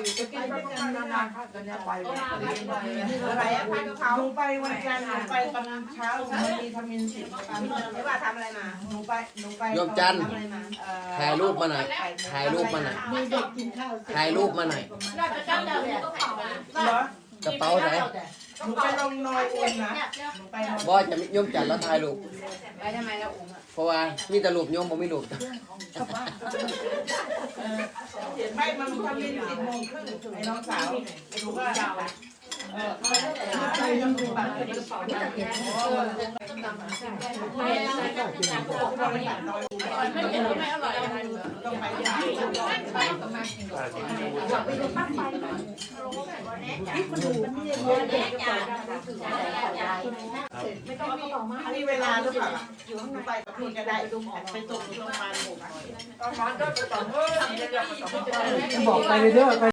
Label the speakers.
Speaker 1: จะกินด้วยกันนานๆค่ะกันเนี่ยไป
Speaker 2: อะไรอะผัดกะเพราหนูไปวันจันทร์หนูไปตอนเช้ามันมีทมินสิไม่ว่าทำอะไรมาหนูไป
Speaker 3: โยมจันทร์
Speaker 2: ทำอะไรมา
Speaker 3: ถ่ายรูปมาหน่อยถ่ายรูปมาหน่อย
Speaker 4: มีเด็กกินข้าว
Speaker 3: ถ่ายรูปมาหน่อย
Speaker 1: น่าจะจังเลยเนี่ย
Speaker 2: เหรอก
Speaker 3: ระเป๋าไหน
Speaker 2: หนูไปลงนอยอุ่นนะหนูไปนอย
Speaker 3: บอยจะโยมจันทร์แล้วถ่ายรูป
Speaker 1: ไปทำไมเราอุ้มอ่ะ
Speaker 3: เพราะว่ามีแต่รูปโยมผมไม่รูป
Speaker 2: ไม่มันทำเย็น10:30ไอ้น้องสาวไอ้หนูก็ไปยังดูบัตรไม่ได้สอนไม่ได้เก็บไม่เห็นไม่อร่อยอะไรเลยต้องไปที่มีเวลาหรือเปล่าอยู่ข้างในไปกับคุณก็ได้ไปตกโรงพยาบาลหมู่บ้านตอนนั้นก็ตอนเมื่อบอกไปเรื่อย